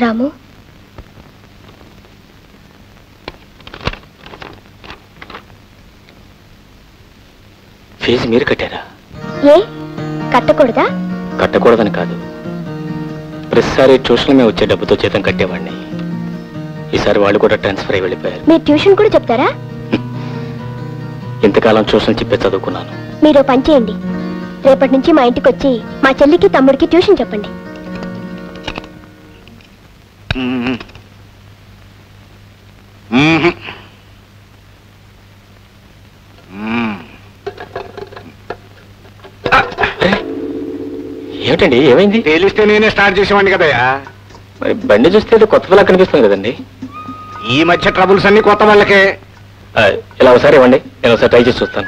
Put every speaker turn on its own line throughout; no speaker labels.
రాము,
fee మీరు కట్టారా?
ఏ కట్టకూడదా?
కట్టకూడదని కాదు, ప్రతిసారి ట్యూషన్ మేము వచ్చే డబ్బుతో జీతం కట్టేవాడిని. ఈసారి వాళ్ళు కూడా ట్రాన్స్ఫర్ అయి వెళ్ళిపోయారు.
మీరు ట్యూషన్ కూడా చెప్తారా?
ఇంతకాలం ట్యూషన్ చెప్పే చదువుకున్నాను.
మీరు పని చేయండి, రేపటి నుంచి మా ఇంటికి వచ్చి మా చెల్లికి తమ్ముడికి ట్యూషన్ చెప్పండి.
ఏమిటండి, ఏమైంది?
తెలిస్తే నేనే స్టార్ట్ చేసేవాడిని కదయ్యా.
మరి బండి చూస్తే కొత్త వాళ్ళ కనిపిస్తుంది కదండి.
ఈ మధ్య ట్రబుల్స్ అన్ని కొత్త వాళ్ళకే.
ఇలా ఒకసారి ఇవ్వండి, నేను ఒకసారి ట్రై చేసి చూస్తాను.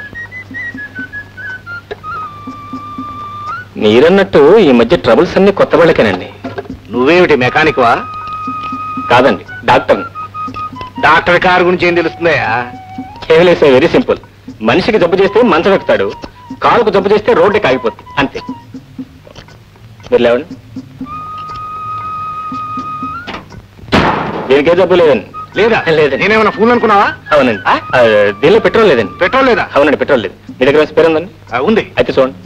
మీరన్నట్టు ఈ మధ్య ట్రబుల్స్ అన్ని కొత్త వాళ్ళకేనండి.
నువ్వేమిటి మెకానిక్ వా?
కాదండి, డాక్టర్.
డాక్టర్ కారు గురించి ఏం తెలుస్తుందయ్యా?
కేవలేసే వెరీ సింపుల్. మనిషికి జబ్బు చేస్తే మంచం ఎక్కుతాడు, కాలుకు జబ్బు చేస్తే రోడ్డుకి ఆగిపోతుంది, అంతే. మీరు లేవండి. దీనికే జబ్బు లేదండి.
లేదా?
లేదండి.
నేనేమన్నా ఫోన్ అనుకున్నావా?
అవునండి. దీనిలో పెట్రోల్ లేదండి.
పెట్రోల్ లేదా?
అవునండి, పెట్రోల్ లేదు. మీ దగ్గర స్పేర్ ఉందండి?
ఉంది.
అయితే చూడండి.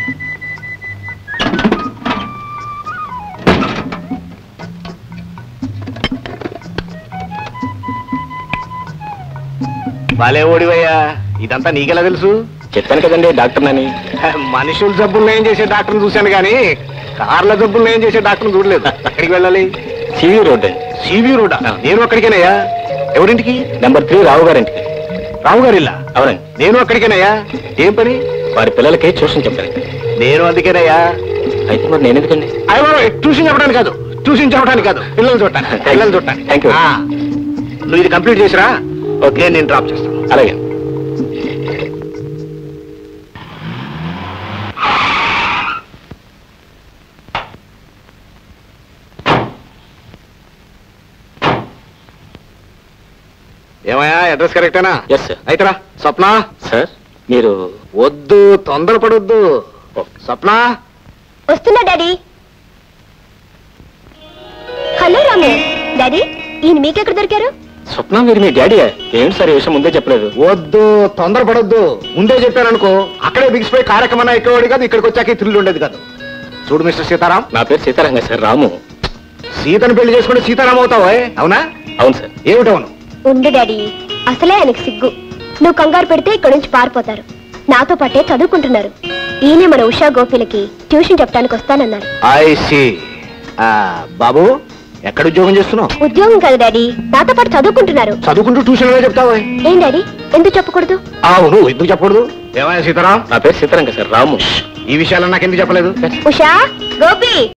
బాలే ఓడివయ్యా, ఇదంతా నీకెలా తెలుసు?
చెప్పాను కదండి డాక్టర్నని.
మనుషుల జబ్బులు ఏం చేసే డాక్టర్ని చూశాను కానీ కార్ల జబ్బులు ఏం చేసే డాక్టర్ని చూడలేదు. ఎక్కడికి వెళ్ళాలి?
సివి రోడ్ అండి.
CV road? నేను అక్కడికేనయ్యా. ఎవరింటికి?
నెంబర్ 3 రావు గారింటికి.
రావు గారి ఇల్లా?
అవునండి.
నేను అక్కడికేనయ్యా. ఏం పని?
వారి పిల్లలకి ట్యూషన్ చెప్పాను.
నేను అందుకేనయ్యా.
అయితే మరి నేను ఎందుకండి?
ట్యూషన్ చెప్పడానికి కాదు, ట్యూషన్ చెప్పడానికి కాదు, పిల్లలు చూడటానికి. పిల్లలు చూడటానికి.
Thank you.
నువ్వు ఇది కంప్లీట్ చేసిరా, ఓకే, నేను డ్రాప్ చేస్తాను.
అలాగే.
ఏమయ్యా, అడ్రస్ కరెక్టేనా?
Yes sir.
అయితేరా. స్వప్న.
సార్ మీరు
వద్దు, తొందరపడొద్దు. స్వప్న.
వస్తున్నా డాడీ. హలో రాము. డాడీ, ఈయన మీకెక్కడ దొరికారు?
స్వప్న, మీరు మీ డాడీ? ఏంటి సార్ ఈ విషయం ముందే చెప్పలేదు?
వద్దు, తొందరపడొద్దు. ముందే చెప్పాననుకో అక్కడే బిగిసిపోయి కార్యక్రమం ఎక్కేవాడు కాదు, ఇక్కడికి వచ్చాక థ్రిల్ ఉండేది కాదు. చూడు మిస్టర్ సీతారాం.
నా పేరు సీతారాంగా సార్. రాము.
సీతను పెళ్లి చేసుకుంటే సీతారాం అవుతావా? అవునా?
అవును సార్.
ఏమిటవును?
ఉండు డాడీ, అసలే ఆయనకు సిగ్గు. నువ్వు కంగారు పెడితే ఇక్కడి నుంచి పారిపోతారు. నాతో పాటే చదువుకుంటున్నారు. ఈయనే మన ఉషా గోపిలకి ట్యూషన్ చెప్పడానికి వస్తానన్నారు.
I see. బాబు, ఎక్కడ ఉద్యోగం చేస్తున్నావు?
ఉద్యోగం కాదు డాడీ, నాతో పాటు చదువుకుంటున్నారు.
చదువుకుంటూ ట్యూషన్ లో చెప్తావా?
ఏం డాడీ, ఎందుకు చెప్పకూడదు?
అవును, ఎందుకు చెప్పకూడదు? ఏమైనా సీతారాం?
నా పేరు సీతారాంగా సార్. రాము.
ఈ విషయాలు నాకు ఎందుకు చెప్పలేదు?
ఉషా, గోపి.